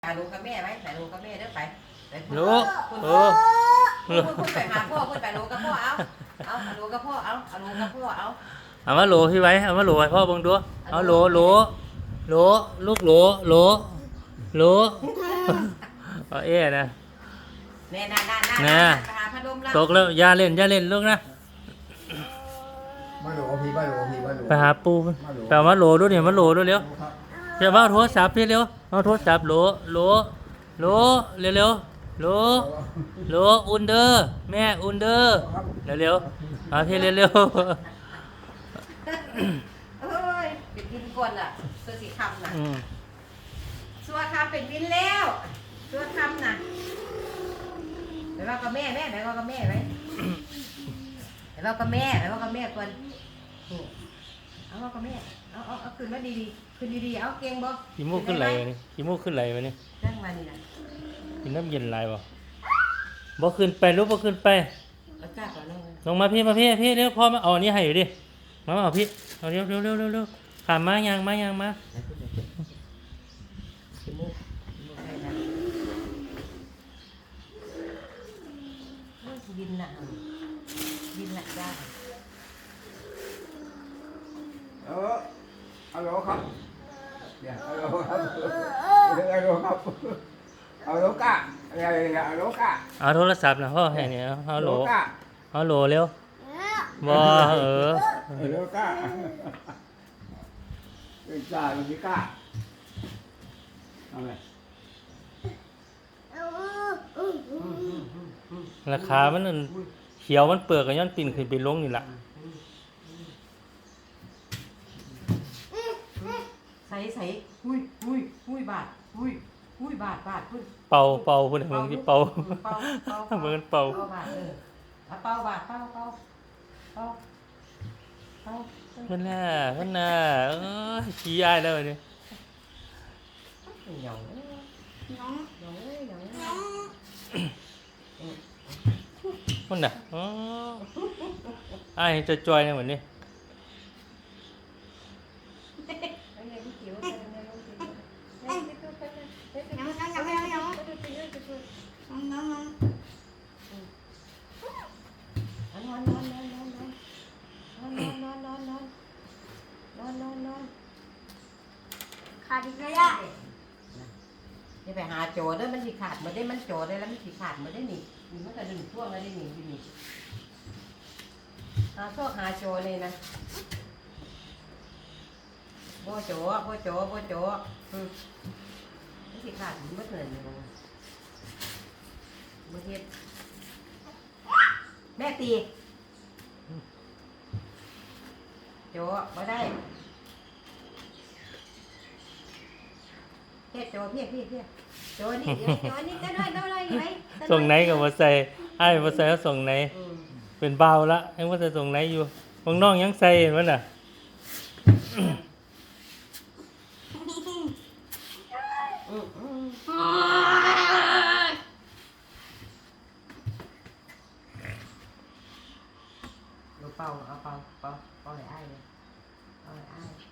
หาลูกกับแม่ไหมหาลูกกับแม่เด้อไปลูกคุณไปหาพ่อคุณไปลูกกับพ่อเอาลูกกับพ่อเอาลูกกับพ่อเอามาโหลพี่ไว้เอามาโหลให้พ่อบังดูเอาโหลลูกโหลเอานะน่ะตกแล้วอย่าเล่นลูกนะมาโหลพี่มาโหลพี่มาโหลไปหาปูไปเอามาโหลดูเนี่ยมาโหลดูเร็วเดี๋ยวมาโทรศัพท์พี่เร็วเอาโทรศัพท์โหลเร็วอุ่นเด้อแม่อุ่นเด้อเร็วเอาพี่เร็วเอ้ยเป็นวินก่อนล่ะตัวสีคำน่ะสัวคำเป็นวินแล้วสัวคำน่ะไปว่ากับแม่ไปว่ากับแม่ไหมไปว่ากับแม่ก่อนเอาว่ากับแม่เอาขึ้นมาดีขึ้นดีเอาเก่งบ่ขี้มูกขึ้นไหลวะนี่ขี้มูกขึ้นไหลวะนี่นั่งมานี่นะกินน้ำเย็นไหลบ่ขึ้นไปลูกบ่ขึ้นไปลงมาพี่เร็วพ่อมาเอาอันนี้ให้อยู่ดิมาเอาพี่เอาเร็วขามมายังมาบินละได้ฮัลโหลครับเนี่ยฮัลโหลครับฮัลโหลครับฮัลโหลก้าฮัลโหลก้าเอาโทรศัพท์นะพ่อให้เนี่ยฮัลโหลเร็วบ่ฮัลโหลก้าเป็นจ่าเป็นพี่ก้าเอาไงราคามันเขียวมันเปลือกกับย้อนปิ่นขึ้นไปลงนี่แหละใส่หุ้ยบาทพุ่นเป่าพุ่นมึงที่เป่าเหมือนเป่าบาทเป่าบาทเป่าพุ่นน่ะขี้อายแล้วเนี่ยหยองพุ่นน่ะอายจะจอยเนี่ยเหมือนนี่ขาดอีกแล้วนี่ไปหาโจด้วยมันสิขาดมาได้มันโจได้แล้วมันสิขาดมาได้นี่มันก็ดึงช่วงมาได้นี่หาโจเลยนะโบโจมันสิขาดมันเหนื่อยเลยเมื่อกี้แม่ตีโจมาได้โจพี่โจนี่ได้ไหมส่งไหนกับมาใส่ไอ้มาใส่แล้วส่งไหนเป็นเบาละไอ้มาใส่ส่งไหนอยู่บางน้องยังใส่เห็นมั้ยน่ะเป่าให้อ้ายเลยเอาให้อ้าย